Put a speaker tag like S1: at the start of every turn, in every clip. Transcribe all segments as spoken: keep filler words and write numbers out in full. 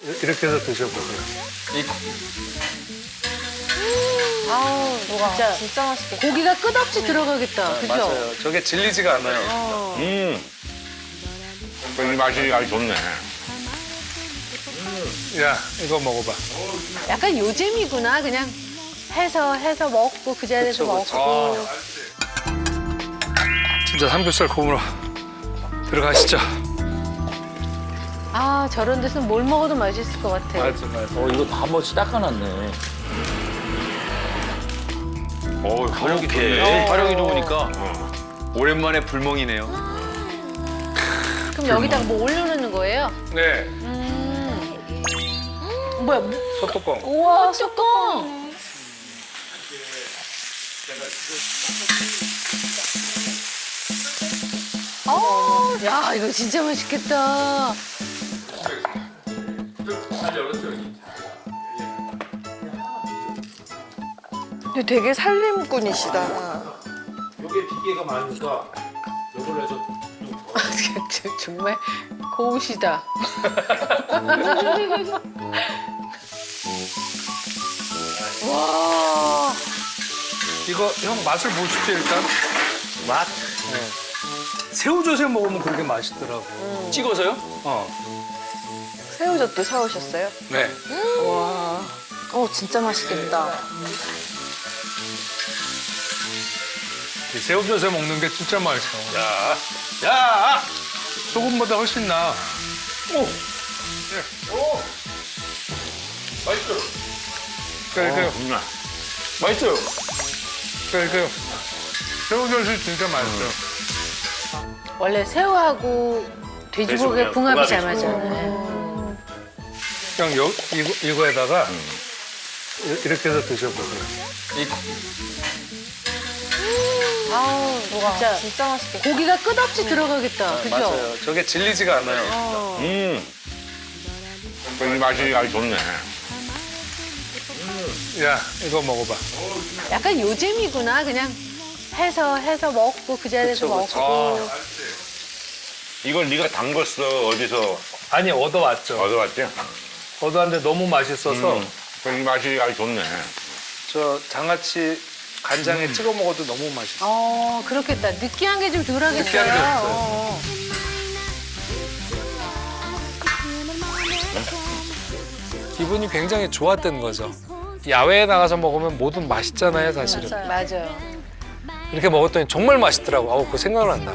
S1: 이렇게 해서 드셔보세요.
S2: 이
S3: 아우, 진짜,
S4: 진짜 맛있겠다.
S3: 고기가 끝없이 들어가겠다. 그죠?
S1: 맞아요. 저게 질리지가 않아요.
S3: 어.
S5: 음. 이 맛이 아주 좋네.
S1: 야, 이거 먹어봐.
S3: 약간 요즘이구나. 그냥 해서 해서 먹고 그 자리에서
S1: 그쵸, 그쵸.
S3: 먹고.
S1: 진짜 삼겹살 구우러 들어가시죠.
S3: 아, 저런 데서 뭘 먹어도 맛있을 것 같아.
S1: 맞아, 맞아.
S2: 어 이거 다 멋이 닦아놨네.
S5: 어, 화력이 좋네.
S2: 어, 화력이 좋으니까
S5: 어.
S2: 오랜만에 불멍이네요.
S3: 그럼 여기다가 뭐 올려놓는 거예요?
S1: 네,
S3: 음. 뭐야? 뭐-
S1: 소뚜껑.
S3: 우와, 뚜껑. 어, 야, 이거 진짜 맛있겠다.
S4: 근데 되게 살림꾼이시다.
S6: 요게 비계가 많으니까 요걸로 해서
S3: 정말 고우시다. 와,
S1: 이거 형 맛을 보십시오 일단.
S2: 맛?
S1: 새우젓에 먹으면 그렇게 맛있더라고.
S2: 찍어서요?
S1: 어,
S4: 새우젓도 사오셨어요?
S1: 네.
S4: 와. 어, 진짜 맛있겠다.
S1: 이 새우젓에 먹는 게 진짜 맛있어.
S5: 야, 야!
S1: 소금보다 훨씬 나. 오,
S5: 오! 맛있어.
S1: 그래, 그래,
S5: 정말.
S2: 맛있어요.
S1: 그래, 그래. 새우젓이 진짜 맛있어.
S3: 원래 새우하고 돼지고기
S5: 돼지고기하고
S3: 궁합이 잘
S5: 궁합이죠.
S3: 맞아요.
S1: 그냥 요, 이거, 이거에다가 이- 이렇게 해서 드셔보세요.
S2: 이
S3: 아우, 진짜
S4: 진짜 맛있겠다.
S3: 고기가 끝없이 들어가겠다. 그죠?
S1: 맞아요. 저게 질리지가 않아요.
S3: 어.
S5: 음. 이 맛이 아주 좋네.
S1: 야, 이거 먹어봐.
S3: 약간 요즘이구나. 그냥 해서 해서 먹고 그 자리에서
S1: 그쵸, 그쵸.
S3: 먹고.
S5: 이걸 네가 담궜어. 어디서
S1: 아니, 얻어왔죠.
S5: 얻어왔지?
S1: 얻어왔는데 너무 맛있어서
S5: 음. 이 맛이 아주 좋네.
S1: 저 장아찌 간장에 찍어 먹어도 너무 맛있어.
S3: 어, 그렇겠다. 느끼한 게 좀 덜하겠어요.
S1: 느끼한 게 없어요.
S3: 어.
S1: 기분이 굉장히 좋았던 거죠. 야외에 나가서 먹으면 뭐든 맛있잖아요, 사실은.
S3: 맞아요.
S1: 이렇게 먹었더니 정말 맛있더라고. 아우, 그거 생각난다.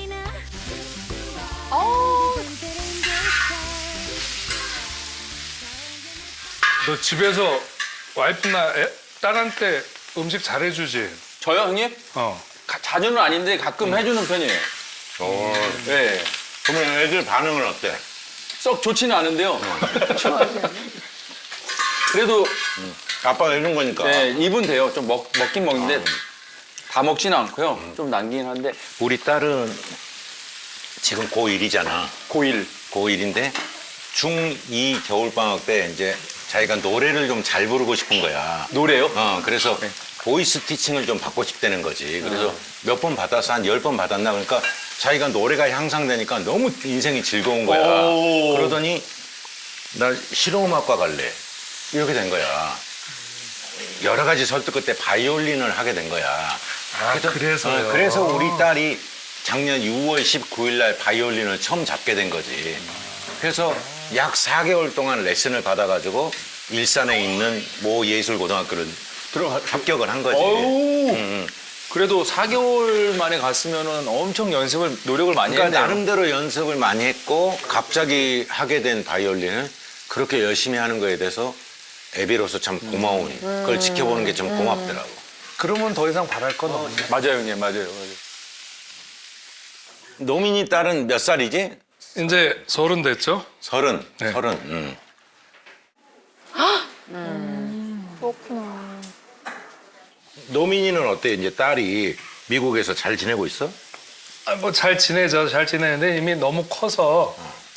S3: 어,
S1: 너 집에서 와이프나 애, 딸한테 음식 잘해주지?
S2: 저요 형님?
S1: 어.
S2: 가- 자주는 아닌데 가끔 해주는 편이에요.
S5: 어.
S2: 네.
S5: 그러면 애들 반응은 어때?
S2: 썩 좋지는 않은데요. 그래도
S5: 아빠가 해준 거니까.
S2: 네, 입은 돼요. 좀 먹, 먹긴 먹는데 다 먹지는 않고요. 좀 남긴 한데
S5: 우리 딸은 지금 고일이잖아.
S2: 고일.
S5: 고일인데 중이 겨울방학 때 이제 자기가 노래를 좀 잘 부르고 싶은 거야.
S2: 노래요?
S5: 어, 그래서 보이스 티칭을 좀 받고 싶다는 거지. 그래서 몇 번 받아서 한 열 번 받았나? 그러니까 자기가 노래가 향상되니까 너무 인생이 즐거운 거야.
S2: 오.
S5: 그러더니 나 실용음악과 갈래. 이렇게 된 거야. 여러 가지 설득 끝에 바이올린을 하게 된 거야.
S1: 아, 그래서요?
S5: 어, 그래서 우리 딸이 작년 유월 십구일 날 바이올린을 처음 잡게 된 거지. 그래서 약 사 개월 동안 레슨을 받아가지고 일산에 있는 모 예술고등학교를 들어 합격을 한 거지.
S2: 어우.
S5: 음, 음.
S2: 그래도 사 개월 만에 갔으면은 엄청 연습을 노력을 많이
S5: 그러니까
S2: 했네요.
S5: 나름대로 연습을 많이 했고 갑자기 하게 된 바이올린을 그렇게 열심히 하는 거에 대해서 애비로서 참 고마운 그걸 지켜보는 게 좀 고맙더라고.
S1: 그러면 더 이상 바랄 건 없네.
S2: 맞아요 형님 맞아요. 맞아요.
S5: 노민이 딸은 몇 살이지?
S1: 이제 서른 됐죠?
S5: 서른.
S1: 네.
S5: 서른. 음.
S4: 그렇구나.
S5: 노민이는 어때? 이제 딸이 미국에서 잘 지내고 있어?
S1: 아, 뭐 잘 지내죠. 잘 지내는데 이미 너무 커서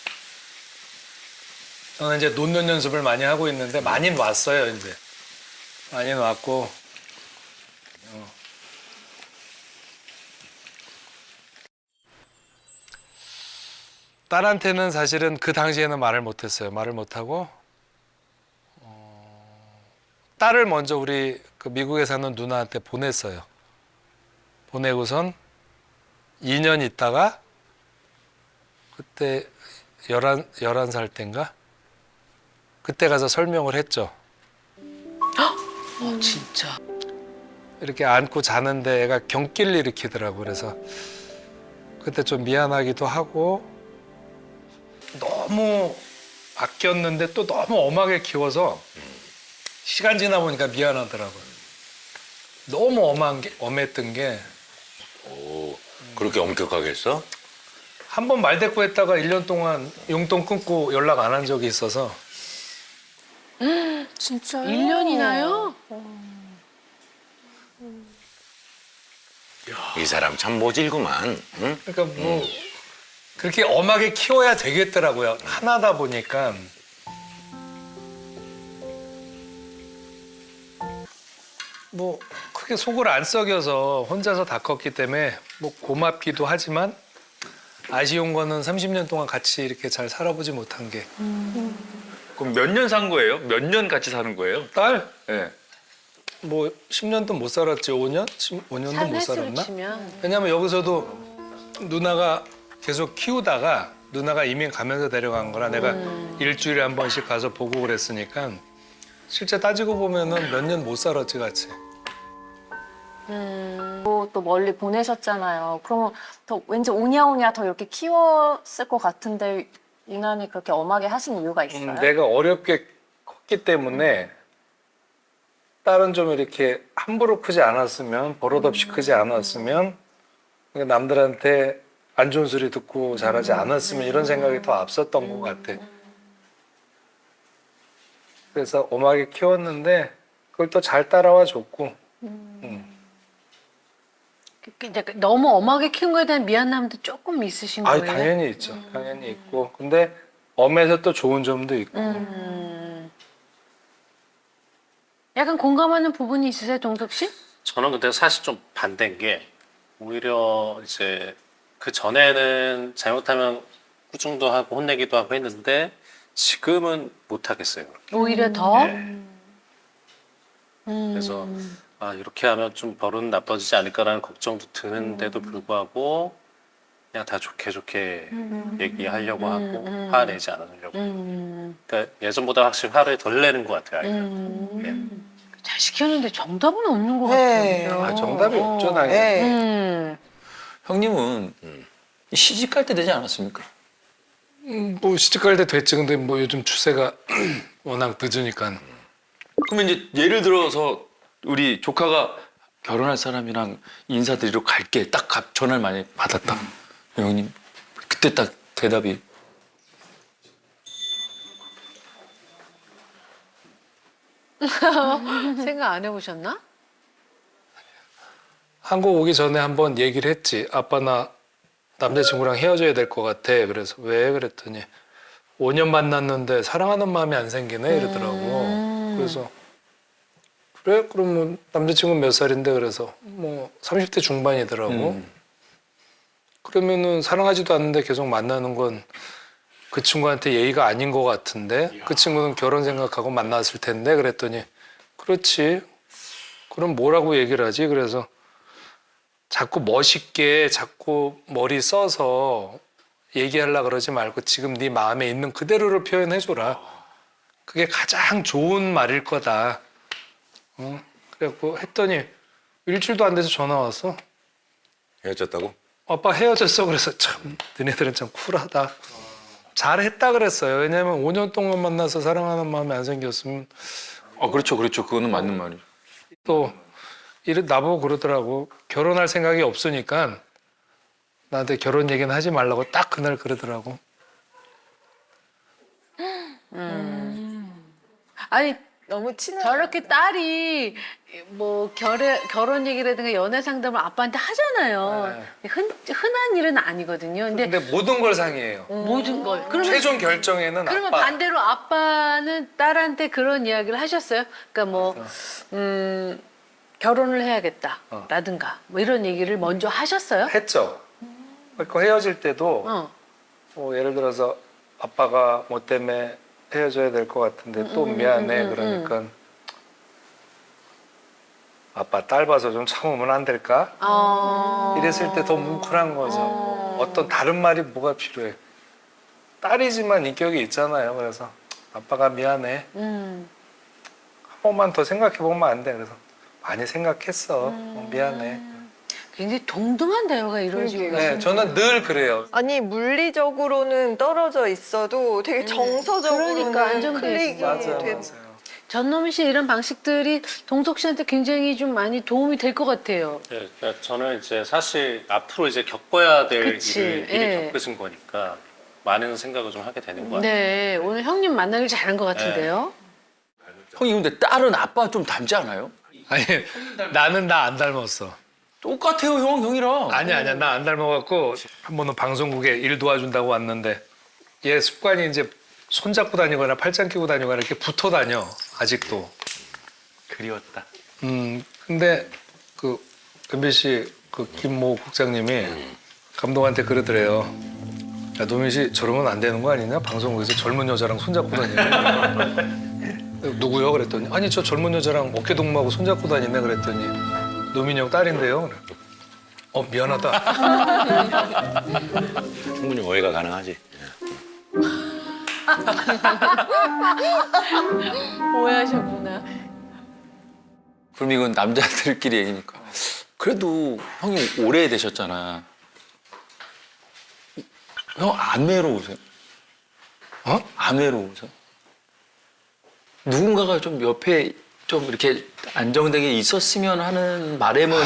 S1: 저는 이제 논는 연습을 많이 하고 있는데 많이 왔어요, 이제. 많이 왔고. 어. 딸한테는 사실은 그 당시에는 말을 못했어요. 말을 못하고 딸을 먼저 우리 그 미국에 사는 누나한테 보냈어요. 보내고선 이 년 있다가 그때 열한, 열한 살 땐가? 그때 가서 설명을 했죠.
S3: 어, 진짜.
S1: 이렇게 안고 자는데 애가 경기를 일으키더라고. 그래서 그때 좀 미안하기도 하고 너무 아꼈는데 또 너무 엄하게 키워서 시간 지나 보니까 미안하더라고요. 너무 엄한 게, 엄했던 게
S5: 오, 그렇게 엄격하게 했어?
S1: 한 번 말대꾸했다가 일 년 동안 용돈 끊고 연락 안 한 적이 있어서
S4: 진짜요?
S3: 일 년이나요?
S5: 이 사람 참 모질구만. 응?
S1: 그러니까 뭐 그렇게 엄하게 키워야 되겠더라고요. 하나다 보니까. 뭐 크게 속을 안 썩여서 혼자서 다 컸기 때문에 뭐 고맙기도 하지만 아쉬운 거는 삼십 년 동안 같이 이렇게 잘 살아보지 못한 게.
S2: 그럼 몇 년 산 거예요? 몇 년 같이 사는 거예요?
S1: 딸?
S2: 네.
S1: 뭐 십 년도 못 살았지. 오 년? 오 년도 못
S3: 횟수로
S1: 살았나?
S3: 치면.
S1: 왜냐면 여기서도 누나가 계속 키우다가 누나가 이민 가면서 데려간 거라 내가 일주일에 한 번씩 가서 보고 그랬으니까 실제 따지고 보면은 몇 년 못 살았지 같이.
S4: 또, 또 멀리 보내셨잖아요. 그러면 더 왠지 오냐오냐 더 이렇게 키웠을 것 같은데 유난히 그렇게 엄하게 하신 이유가 있어요?
S1: 음, 내가 어렵게 컸기 때문에 딸은 좀 이렇게 함부로 크지 않았으면 버릇없이 크지 않았으면 그러니까 남들한테 안 좋은 소리 듣고 자라지 않았으면 이런 생각이 더 앞섰던 것 같아. 그래서 엄하게 키웠는데 그걸 또 잘 따라와 줬고. 음.
S3: 이제 너무 엄하게 키운 거에 대한 미안함도 조금 있으신
S1: 아,
S3: 거예요?
S1: 당연히 있죠. 당연히 있고. 근데 엄해서 또 좋은 점도 있고.
S3: 음. 약간 공감하는 부분이 있으세요, 동석 씨?
S6: 저는 근데 사실 좀 반대인 게 오히려 이제 그 전에는 잘못하면 꾸중도 하고 혼내기도 하고 했는데 지금은 못 하겠어요.
S3: 오히려 더?
S6: 네.
S3: 음.
S6: 그래서 아 이렇게 하면 좀 버릇 나빠지지 않을까라는 걱정도 드는데도 불구하고 그냥 다 좋게 좋게 얘기하려고 하고
S3: 음.
S6: 화내지 않으려고.
S3: 음.
S6: 그러니까 예전보다 확실히 화를 덜 내는 것 같아요. 아이가.
S3: 음. 잘 시켰는데 정답은 없는 것
S4: 네.
S3: 같아요.
S1: 아, 정답이
S3: 어.
S1: 없죠, 당연히.
S4: 네.
S3: 음.
S2: 형님은 시집 갈 때 되지 않았습니까?
S1: 음, 뭐 시집갈 때 됐지. 근데 뭐 요즘 추세가 워낙 늦으니까.
S2: 그러면 이제 예를 들어서 우리 조카가 결혼할 사람이랑 인사드리러 갈게 딱 가- 전화를 많이 받았다. 형님 그때 딱 대답이
S3: 생각 안 해보셨나?
S1: 한국 오기 전에 한번 얘기를 했지. 아빠 나 남자친구랑 헤어져야 될 것 같아. 그래서 왜? 그랬더니 오 년 만났는데 사랑하는 마음이 안 생기네 이러더라고. 그래서 그래? 그러면 남자친구는 몇 살인데? 그래서 뭐 삼십 대 중반이더라고.
S2: 음.
S1: 그러면은 사랑하지도 않는데 계속 만나는 건 그 친구한테 예의가 아닌 것 같은데 그 친구는 결혼 생각하고 만났을 텐데 그랬더니 그렇지. 그럼 뭐라고 얘기를 하지? 그래서 자꾸 멋있게 자꾸 머리 써서 얘기하려고 그러지 말고 지금 네 마음에 있는 그대로를 표현해줘라. 그게 가장 좋은 말일 거다. 어? 그래갖고 했더니 일주일도 안 돼서 전화 왔어.
S5: 헤어졌다고?
S1: 아빠 헤어졌어. 그래서 참 너네들은 참 쿨하다. 잘했다 그랬어요. 왜냐면 오 년 동안 만나서 사랑하는 마음이 안 생겼으면
S2: 아 그렇죠 그렇죠 그거는 맞는 말이에요.
S1: 또 이래 나보고 그러더라고. 결혼할 생각이 없으니까 나한테 결혼 얘기는 하지 말라고 딱 그날 그러더라고.
S3: 아니
S4: 너무 친해.
S3: 저렇게 딸이 뭐 결혼 결혼 얘기라든가 연애 상담을 아빠한테 하잖아요. 흔 흔한 일은 아니거든요. 근데
S1: 근데 모든 걸 상의해요.
S3: 모든 걸. 그러면
S1: 최종 결정에는
S3: 그러면
S1: 아빠.
S3: 반대로 아빠는 딸한테 그런 이야기를 하셨어요? 그러니까 뭐 음, 결혼을 해야겠다.
S1: 어.
S3: 라든가 뭐 이런 얘기를 먼저 하셨어요?
S1: 했죠. 그러니까 헤어질 때도
S3: 어.
S1: 뭐 예를 들어서 아빠가 뭐 때문에 헤어져야 될 것 같은데 또
S3: 음,
S1: 미안해
S3: 음, 음,
S1: 그러니까 아빠 딸 봐서 좀 참으면 안 될까?
S3: 어...
S1: 이랬을 때 더 뭉클한 거죠.
S3: 어...
S1: 어떤 다른 말이 뭐가 필요해. 딸이지만 인격이 있잖아요. 그래서 아빠가 미안해.
S3: 음.
S1: 한 번만 더 생각해 보면 안 돼. 그래서 많이 생각했어. 어, 미안해.
S3: 굉장히 동등한 대화가 이루어지고
S7: 그러게요.
S1: 네, 저는 늘 그래요.
S7: 아니 물리적으로는 떨어져 있어도 되게 정서적으로는
S3: 그러니까 안정돼
S7: 클릭이
S3: 있어.
S1: 맞아요,
S7: 돼.
S1: 맞아요.
S3: 전노미 씨 이런 방식들이 동석 씨한테 굉장히 좀 많이 도움이 될 것 같아요.
S6: 네, 그러니까 저는 이제 사실 앞으로 이제 겪어야 될
S3: 그치,
S6: 일을 미리
S3: 예.
S6: 겪으신 거니까 많은 생각을 좀 하게 되는 것 같아요.
S3: 네, 오늘 형님 만나길 잘한 것 같은데요.
S2: 형님 근데 딸은 아빠 좀 닮지 않아요?
S1: 아니, 나는 나 안 닮았어.
S2: 똑같아요 형 형이랑.
S1: 아니야, 아니야. 나 안 닮아갖고 한 번은 방송국에 일 도와준다고 왔는데 얘 습관이 이제 손잡고 다니거나 팔짱 끼고 다니거나 이렇게 붙어 다녀. 아직도.
S2: 그리웠다.
S1: 음, 근데 그 엠비씨 그 김모 국장님이 감독한테 그러더래요. 야, 노민 씨 저러면 안 되는 거 아니냐? 방송국에서 젊은 여자랑 손잡고 다니네. 누구요? 그랬더니 아니 저 젊은 여자랑 어깨 동무하고 손잡고 다니네. 그랬더니 노민이 형 딸인데요. 그래. 어 미안하다.
S5: 충분히 오해가 가능하지.
S3: 오해하셨구나.
S2: 그럼 이건 남자들끼리 얘기니까. 그래도 형이 오래 되셨잖아. 형 안 외로우세요?
S1: 어?
S2: 안 외로우세요? 누군가가 좀 옆에 좀 이렇게 안정되게 있었으면 하는 바람은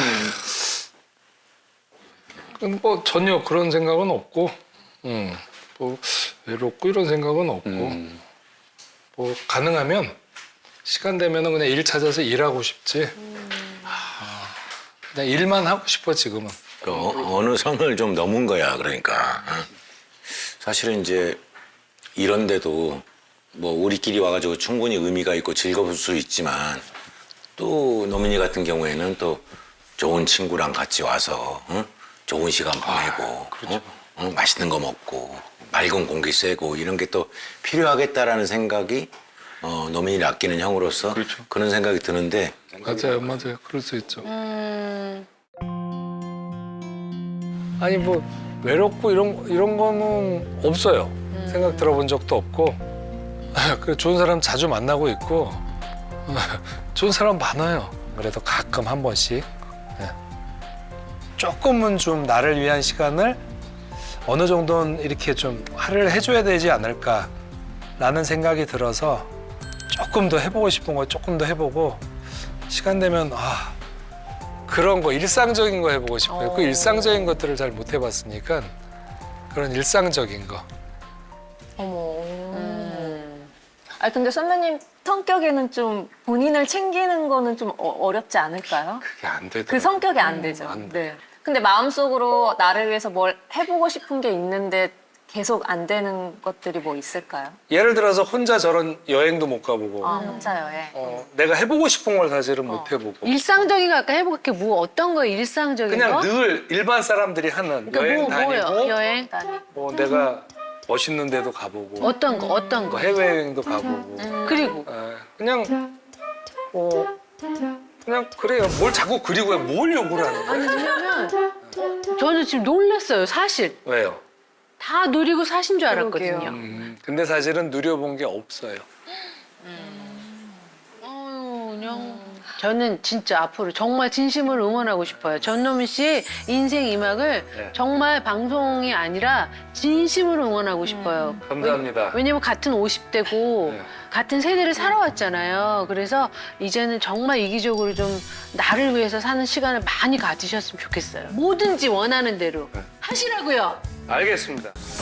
S1: 그럼 뭐 전혀 그런 생각은 없고, 음, 뭐 외롭고 이런 생각은 없고,
S2: 음.
S1: 뭐 가능하면 시간 되면은 그냥 일 찾아서 일하고 싶지. 아, 그냥 일만 하고 싶어 지금은.
S5: 그 어, 어느 선을 좀 넘은 거야. 그러니까 어? 사실은 이제 이런데도 뭐 우리끼리 와가지고 충분히 의미가 있고 즐거울 수 있지만 또 노민이 같은 경우에는 또 좋은 친구랑 같이 와서 어? 좋은 시간 보내고 어? 어? 맛있는 거 먹고 맑은 공기 쐬고 이런 게 또 필요하겠다라는 생각이 어, 노민이를 아끼는 형으로서
S2: 그렇죠.
S5: 그런 생각이 드는데
S1: 맞아요, 맞아요. 그럴 수 있죠.
S3: 음,
S1: 아니 뭐 외롭고 이런 이런 거는 없어요. 생각 들어본 적도 없고, 그 좋은 사람 자주 만나고 있고, 좋은 사람 많아요. 그래도 가끔 한 번씩 네. 조금은 좀 나를 위한 시간을 어느 정도는 이렇게 좀 할애를 해줘야 되지 않을까라는 생각이 들어서 조금 더 해보고 싶은 거 조금 더 해보고 시간 되면 아. 그런 거 일상적인 거 해보고 싶어요. 그
S3: 어.
S1: 일상적인 것들을 잘 못 해봤으니까 그런 일상적인 거.
S4: 어머.
S3: 음.
S4: 아 근데 선배님 성격에는 좀 본인을 챙기는 거는 좀 어, 어렵지 않을까요?
S1: 그게 안 되더라고요.
S4: 그 성격이 안 되죠.
S1: 안 돼.
S4: 네. 근데 마음속으로 나를 위해서 뭘 해보고 싶은 게 있는데 계속 안 되는 것들이 뭐 있을까요?
S1: 예를 들어서 혼자 저런 여행도 못 가보고
S4: 아 혼자 여행.
S1: 어, 내가 해보고 싶은 걸 사실은 못 해보고
S3: 일상적인 거 아까 해볼게 뭐 어떤 거 일상적인
S1: 그냥
S3: 거?
S1: 늘 일반 사람들이 하는
S3: 그러니까
S1: 여행
S3: 뭐,
S1: 다니고
S3: 뭐요? 여행?
S1: 뭐 내가 멋있는 데도 가보고
S3: 어떤 거? 어떤
S1: 뭐
S3: 거?
S1: 해외여행도 가보고
S3: 그리고
S1: 에, 그냥 뭐 그냥 그래요. 뭘 자꾸 그리고 해. 뭘 요구를 하는 거야?
S3: 아니 왜냐면 저는 지금 놀랐어요. 사실
S1: 왜요?
S3: 다 누리고 사신 줄 알았거든요.
S7: 그러게요.
S1: 음, 근데 사실은 누려본 게 없어요.
S3: 어휴, 그냥 저는 진짜 앞으로 정말 진심으로 응원하고 싶어요. 전노민 씨 인생 이막을
S1: 네.
S3: 정말 방송이 아니라 진심으로 응원하고 싶어요.
S1: 감사합니다.
S3: 왜냐면 같은 오십 대고
S1: 네.
S3: 같은 세대를 살아왔잖아요. 그래서 이제는 정말 이기적으로 좀 나를 위해서 사는 시간을 많이 가지셨으면 좋겠어요. 뭐든지 원하는 대로 하시라고요.
S1: 알겠습니다.